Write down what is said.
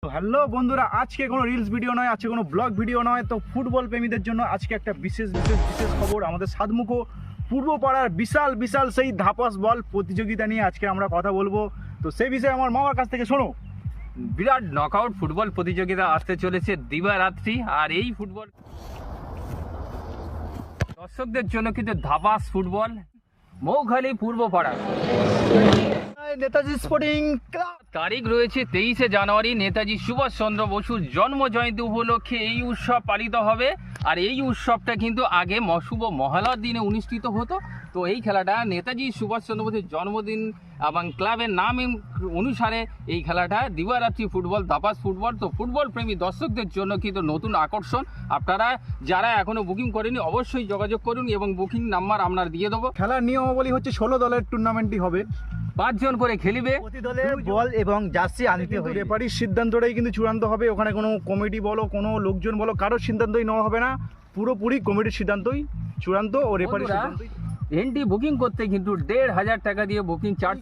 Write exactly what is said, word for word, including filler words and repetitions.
Hello বন্ধুরা, আজকে কোনো রিলস ভিডিও নয়, আজকে কোনো ব্লগ ভিডিও নয়। তো ফুটবল প্রেমীদের জন্য আজকে একটা বিশেষ বিশেষ বিশেষ খবর। আমাদের সাতমুখো পূর্বপাড়ার বিশাল বিশাল সেই ধাপাস বল প্রতিযোগিতা নিয়ে আজকে আমরা কথা বলবো। তো সেই বিষয়ে আমার মামার কাছ থেকে শোনো। বিরাট নকআউট ফুটবল প্রতিযোগিতা আসতে চলেছে দিবারাত্রি। আর এই ফুটবল দর্শকদের জন্য কিন্তু Dhapas football Moukhali Purbapara. Netaji sporting club তারিখ রয়েছে তেইশে জানুয়ারি, নেতাজি সুভাষচন্দ্র বসুর জন্ম জয়ন্তী উপলক্ষে এই উৎসব পালিত হবে। আর এই উৎসবটা কিন্তু আগে শুভ মহালয়ার দিনে অনুষ্ঠিত হতো। তো এই খেলাটা নেতাজি সুভাষচন্দ্র বসুর জন্মদিন এবং ক্লাবের নাম অনুসারে এই খেলাটা দিবারাত্রি ফুটবল, দাপাস ফুটবল। তো ফুটবল প্রেমী দর্শকদের জন্য কিন্তু নতুন আকর্ষণ। আপনারা যারা এখনো বুকিং করেনি অবশ্যই যোগাযোগ করুন এবং বুকিং নাম্বার আপনার দিয়ে দেবো। খেলার নিয়মাবলী হচ্ছে ষোলো দলের টুর্নামেন্টই হবে, পাঁচজন করে খেলিবে। প্রতি দলে বল এবং জার্সি আনিতে হবে। রেফারির সিদ্ধান্তটাই কিন্তু চূড়ান্ত হবে। ওখানে কোনো কমিটি বলো, কোনো লোকজন বলো, কারোর সিদ্ধান্তই নেওয়া হবে না। পুরোপুরি কমিটির সিদ্ধান্তই চূড়ান্ত ও রেফারির বন্ধুরা, সিদ্ধান্তই। এন্ট্রি বুকিং করতে কিন্তু দেড় হাজার টাকা দিয়ে বুকিং চার্জ